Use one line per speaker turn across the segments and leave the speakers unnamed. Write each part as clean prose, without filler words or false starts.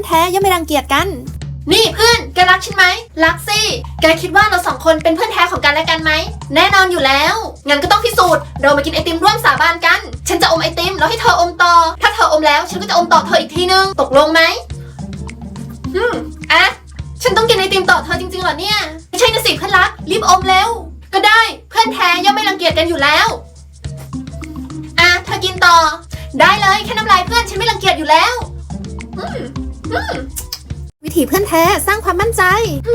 แท้ย่อมไม่รังเกียจกัน
นี่เพื่อนแกรักฉันไหมรักสิแกคิดว่าเราสองคนเป็นเพื่อนแท้ของกันและกันไหมแน่นอนอยู่แล้วงั้นก็ต้องพิสูจน์เรามากินไอติมร่วมสาบานกันฉันจะอมไอติมแล้วให้เธออมต่อถ้าเธออมแล้วฉันก็จะอมต่อเธออีกทีนึงตกลงไหมอ่ะฉันต้องกินไอติมต่อเธอจริงๆเหรอเนี่ยไม่ใช่นะสิเพื่อนรักรีบอมเร็วก็ได้เพื่อนแท้ย่อมไม่รังเกียจกันอยู่แล้วอ่ะเธอกินต่อได้เลยแค่น้ำลายเพื่อนฉันไม่รังเกียจอยู่แล้ว
วิถีเพื่อนแท้สร้างความมั่นใจ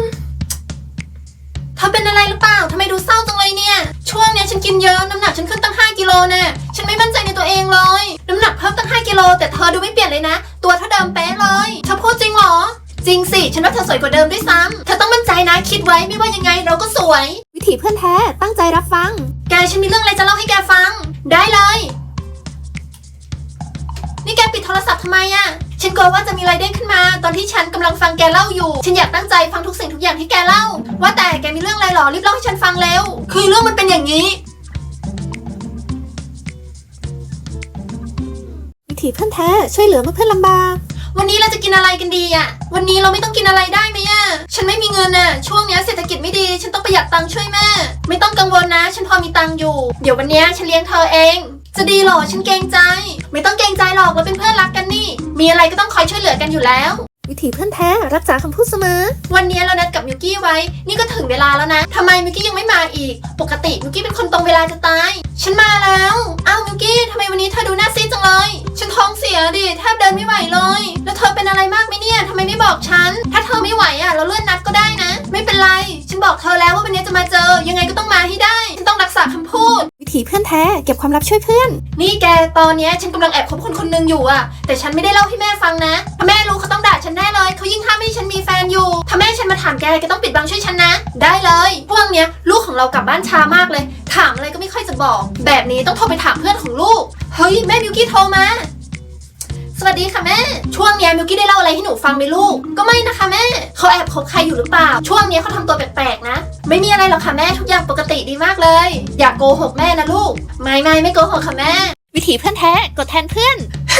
เธอเป็นอะไรหรือเปล่าทำไมดูเศร้าจังเลยเนี่ยช่วงนี้ฉันกินเยอะน้ำหนักฉันขึ้นตั้ง5 กิโลแน่ฉันไม่มั่นใจในตัวเองเลยน้ำหนักเพิ่มตั้ง5 กิโลแต่เธอดูไม่เปลี่ยนเลยนะตัวเท่าเดิมเป๊ะเลยเธอพูดจริงเหรอจริงสิฉันว่าเธอสวยกว่าเดิมด้วยซ้ำเธอต้องมั่นใจนะคิดไว้ไม่ว่ายังไงเราก็สวย
วิถีเพื่อนแท้ตั้งใจรับฟัง
แกฉันมีเรื่องอะไรจะเล่าให้แกฟังได้เลยนี่แกปิดโทรศัพท์ทำไมอะฉันกลัวว่าจะมีอะไรเด้งขึ้นมาตอนที่ฉันกำลังฟังแกเล่าอยู่ฉันอยากตั้งใจฟังทุกสิ่งทุกอย่างที่แกเล่าว่าแต่แกมีเรื่องอะไรหรอรีบเล่าให้ฉันฟังเร็วคือเรื่องมันเป็นอย่างนี้
วิถีเพื่อนแท้ช่วยเหลือเมื่อเพื่อนลำบาก
วันนี้เราจะกินอะไรกันดีอะวันนี้เราไม่ต้องกินอะไรได้ไหมอะฉันไม่มีเงินอะช่วงนี้เศรษฐกิจไม่ดีฉันต้องประหยัดตังค์ช่วยแม่ไม่ต้องกังวลนะฉันพอมีตังค์อยู่เดี๋ยววันนี้ฉันเลี้ยงเธอเองจะดีหรอฉันเกรงใจไม่ต้องเกรงใจหรอกเราเป็นเพื่อนรักกันนี่มีอะไรก็ต้องคอยช่วยเหลือกันอยู่แล้ว
วิถีเพื่อนแท้รักษาคำพูดเสมอ
วันนี้เรานัดกับมิวกี้ไว้นี่ก็ถึงเวลาแล้วนะทำไมมิวกี้ยังไม่มาอีกปกติมิวกี้เป็นคนตรงเวลาจะตายฉันมาแล้วอ้าวมิวกี้ทำไมวันนี้เธอดูหน้าซีดจังเลยฉันท้องเสียดิแทบเดินไม่ไหวเลยแล้วเธอเป็นอะไรมากไหมเนี่ยทำไมไม่บอกฉันถ้าเธอไม่ไหวอ่ะเราเลื่อนนัดก็ได้นะไม่เป็นไรฉันบอกเธอแล้วว่าวันนี้จะมาเจอยังไงก็ต้องมาให้ได้ฉันต้องรักษาคำพูด
วิถีเพื่อนแท้เก็บความลับช่วยเพื่อน
นี่แกตอนนี้ฉันกำลังแอบคบคนคนนึงอยู่อ่ะแต่ฉันไม่ได้เล่าให้แม่ฟังนะถ้าแม่รู้เขาต้องด่าฉันแน่เลยเขายิ่งห้ามไม่ให้ฉันมีแฟนอยู่ถ้าแม่ฉันมาถามแกต้องปิดบังช่วยฉันนะได้เลยพวกเนี้ยลูกของเรากลับบ้านช้ามากเลยถามอะไรก็ไม่ค่อยจะบอกแบบนี้ต้องโทรไปถามเพื่อนของลูกเฮ้ยแม่มิวกี้โทรมาสวัสดีค่ะแม่ช่วงนี้มิวกี้ได้เล่าอะไรให้หนูฟังไหมลูกก็ไม่นะคะแม่เขาแอบคบใครอยู่หรือเปล่าช่วงนี้เขาทำตัวแปลกๆนะไม่มีอะไรหรอกค่ะแม่ทุกอย่างปกติดีมากเลยอย่าโกหกแม่นะลูกไม่โกหกค่ะแม่
วิถีเพื่อนแท้กดแทนเพื่อน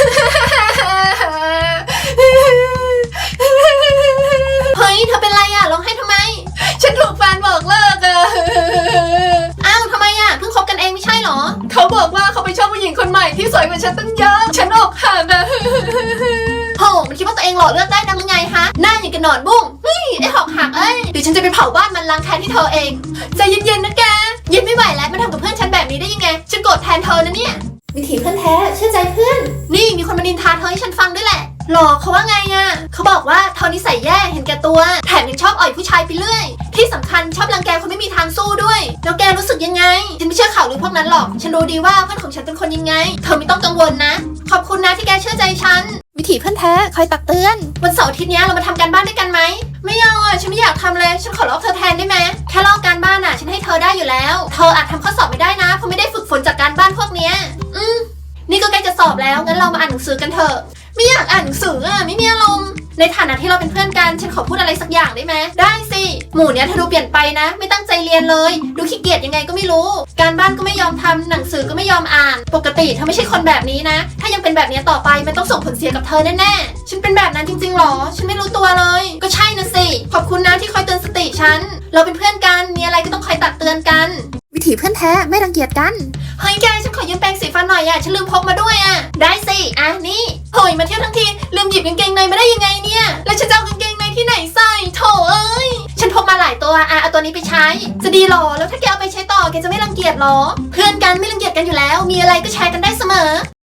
เฮ้ยเธอเป็นไรอะร้องไห้ทำไมฉันถูกแฟนบอกเลิกอะอ้าวทำไมอะเพิ่งคบกันเองไม่ใช่หรอเขาบอกว่าเขาไปชอบผู้หญิงคนใหม่ที่สวยกว่าฉันตั้งเยอะฉันอกหักอะโหมันคิดว่าตัวเองหล่อเลือกได้นักหรือไงฮะหน้าอย่างกับหนอนบุ้งเฮ้ยไอ้หอกหักเอ้ยเดี๋ยวฉันจะไปเผาบ้านมันล้างแค้นที่เธอเองใจเย็นๆนะแกเย็นไม่ไหวแล้วมาทำกับเพื่อนฉันแบบนี้ได้ยังไงฉันโกรธแทนเธอนะเนี่ย
วิถีเพื่อนแท้เชื่อใจเพื่อน
นี่มีคนมานินทาเธอให้ฉันฟังด้วยแหละหรอเขาว่าไงอะเขาบอกว่าเธอนิสัยแย่เห็นแก่ตัวแถมยังชอบอ่อยผู้ชายไปเรื่อยที่สำคัญชอบรังแกคนไม่มีทางสู้ด้วยแล้วแกรู้สึกยังไงฉันไม่เชื่อข่าวลือพวกนั้นหรอกฉันรู้ดีว่าเพื่อนของฉันเป็นคนยังไงเธอไม่ต้องกังวลนะขอบคุณนะที่แกเชื่อใจฉัน
วิถีเพื่อนแท้คอยตักเตือน
วันเสาร์อาทิตย์นี้เรามาทำการบ้านด้วยกันไหมไม่เอาอะฉันไม่อยากทำเลยฉันขอลอกเธอแทนได้ไหมแค่ลอกการบ้านอะฉันให้เธอได้อยู่แล้วเธออาจทำข้อสอบไม่ได้นะเพราะไม่ได้ฝึกฝนจากการบ้านพวกเนี้ยนี่ก็ใกล้จะสอบแล้วงั้นเรามาอ่านหนังสือกันเถอะไม่อยากอ่านหนังสืออะไม่มีอารมณ์ในฐานะที่เราเป็นเพื่อนกันฉันขอพูดอะไรสักอย่างได้ไหมได้สิหมู่เนี้ยเธอดูเปลี่ยนไปนะไม่ตั้งใจเรียนเลยดูขี้เกียจยังไงก็ไม่รู้การบ้านก็ไม่ยอมทำหนังสือก็ไม่ยอมอ่านปกติเธอไม่ใช่คนแบบนี้นะถ้ายังเป็นแบบนี้ต่อไปมันต้องส่งผลเสียกับเธอแน่ๆฉันเป็นแบบนั้นจริงๆหรอฉันไม่รู้ตัวเลยก็ใช่นะสิขอบคุณนะที่คอยเตือนสติฉันเราเป็นเพื่อนกันมีอะไรก็ต้องคอยตักเตือนกัน
วิถีเพื่อนแท้ไม่รังเกียจกัน
เฮ้ยแกฉันขอยืมแปรงสีฟันหน่อยอะฉันลืมพกมาด้วยอะได้สิอ่ะนี่โหยมาเที่ยวทั้งทีลืมหยิบกางเกงในมาได้ยังไงเนี่ยแล้วฉันจะเอากางเกงในที่ไหนใส่โถเอ้ยฉันพกมาหลายตัวเอาตัวนี้ไปใช้จะดีหรอแล้วถ้าแกเอาไปใช้ต่อแกจะไม่รังเกียจหรอเพื่อนกันไม่รังเกียจกันอยู่แล้วมีอะไรก็แชร์กันได้เสมอ